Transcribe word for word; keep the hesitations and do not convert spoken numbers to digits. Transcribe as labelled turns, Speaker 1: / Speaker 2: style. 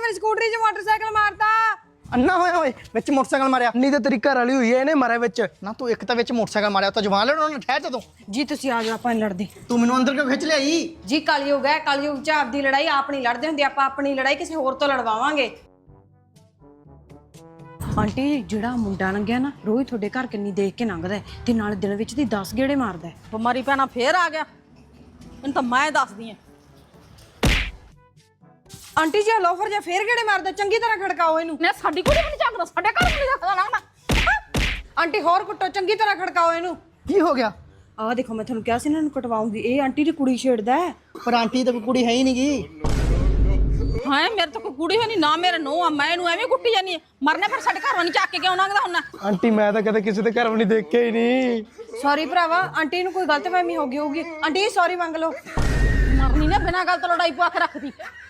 Speaker 1: ਮੇਰੀ ਸਕੂਟਰੀ 'ਚ ਮੋਟਰਸਾਈਕਲ ਮਾਰਤਾ।
Speaker 2: ਅੰਨਾ ਹੋਇਆ ਓਏ ਵਿੱਚ ਮੋਟਰਸਾਈਕਲ ਮਾਰਿਆ।
Speaker 3: ਨਹੀਂ ਤਾਂ ਤੇਰੀ ਘਰ ਵਾਲੀ ਹੋਈ ਐ ਇਹਨੇ ਮਾਰਿਆ ਵਿੱਚ।
Speaker 2: ਨਾ ਤੂੰ ਇੱਕ ਤਾਂ ਵਿੱਚ ਮੋਟਰਸਾਈਕਲ ਮਾਰਿਆ ਤਾਂ ਜਵਾਨ ਲੜਨ ਉਹਨੇ ਠਹਿਰ ਜਾ ਤੂੰ।
Speaker 1: ਜੀ ਤੁਸੀਂ ਆ ਜਾਓ, ਆਪਾਂ ਨੀ ਲੜਦੇ
Speaker 2: ਤੂੰ ਮੈਨੂੰ ਅੰਦਰ ਕਿਉਂ ਖਿੱਚ ਲਿਆਈ?
Speaker 1: ਜੀ। ਕਲਯੁਗ ਹੈ, ਕਲਯੁਗ 'ਚ ਆਪਦੀ ਲੜਾਈ ਆਪ ਨਹੀਂ ਲੜਦੇ ਹੁੰਦੇ, ਆਪਾਂ ਆਪਣੀ ਲੜਾਈ ਕਿਸੇ ਹੋਰ ਤੋਂ ਲੜਵਾਵਾਂਗੇ। ਆਂਟੀ ਜਿਹੜਾ ਮੁੰਡਾ ਲੰਘਿਆ ਨਾ ਰੋਜ਼ ਤੁਹਾਡੇ ਘਰ ਕਿੰਨੀ ਦੇਖ ਕੇ ਲੰਘਦਾ ਤੇ ਨਾਲ ਦਿਨ ਵਿੱਚ ਦੀ ਦਸ ਗੇੜੇ ਮਾਰਦਾ।
Speaker 4: ਬਿਮਾਰੀ ਪੈਣਾ ਫੇਰ ਆ ਗਿਆ, ਇਹਨੂੰ ਤਾਂ ਮੈਂ ਦੱਸਦੀ ਆ।
Speaker 1: ਆਂਟੀ ਜੀ ਲੋਫਰ ਜਾਂ ਫੇਰ ਗੇੜੇ ਮਾਰਦਾ, ਚੰਗੀ ਤਰ੍ਹਾਂ ਖੜਕਾਓ ਇਹਨੂੰ।
Speaker 4: ਨੇ ਸਾਡੀ ਕੁੜੀ ਵੀ ਨਹੀਂ ਚੱਕਦਾ, ਸਾਡੇ ਘਰ ਵੀ ਨਹੀਂ ਰੱਖਦਾ ਨਾ।
Speaker 1: ਆਂਟੀ ਹੋਰ ਕੁੱਟੋ, ਚੰਗੀ ਤਰ੍ਹਾਂ ਖੜਕਾਓ ਇਹਨੂੰ।
Speaker 2: ਕੀ ਹੋ ਗਿਆ?
Speaker 1: ਆਹ ਦੇਖੋ, ਮੈਂ ਤੁਹਾਨੂੰ ਕਿਹਾ ਸੀ ਇਹਨਾਂ ਨੂੰ ਕਟਵਾਉਂਗੀ। ਇਹ ਆਂਟੀ ਦੀ ਕੁੜੀ ਛੇੜਦਾ ਹੈ।
Speaker 2: ਪਰ ਆਂਟੀ ਤਾਂ ਕੋਈ ਕੁੜੀ ਹੈ ਹੀ ਨਹੀਂ ਗੀ।
Speaker 4: ਹਾਂ ਮੇਰੇ ਤਾਂ ਕੋਈ ਕੁੜੀ ਹੈ ਨਹੀਂ ਨਾ, ਮੇਰੇ ਨੂੰਹ ਆ, ਮੈਂ ਇਹਨੂੰ ਐਵੇਂ ਕੁੱਟੀ ਜਾਨੀ ਮਰਨੇ ਫਿਰ ਸਾਡੇ ਘਰੋਂ ਨਹੀਂ ਚੱਕ ਕੇ ਕਿਉਂ ਲੰਘਦਾ ਹੁੰਦਾ?
Speaker 3: ਆਂਟੀ ਮੈਂ ਤਾਂ ਕਦੇ ਕਿਸੇ ਦੇ ਘਰ ਵੀ ਨਹੀਂ ਦੇਖਿਆ ਹੀ ਨਹੀਂ।
Speaker 1: ਸੌਰੀ ਭਰਾਵਾ, ਆਂਟੀ ਨੂੰ ਕੋਈ ਗਲਤਫਹਿਮੀ ਹੋ ਗਈ ਹੋਊਗੀ। ਆਂਟੀ ਸੌਰੀ ਮੰਗ ਲਓ।
Speaker 4: ਮਰਨੀ ਨੇ ਬਿਨਾਂ ਗੱਲ ਤੋਂ ਲੜਾਈ ਪਵਾ ਕੇ ਰੱਖਦੀ।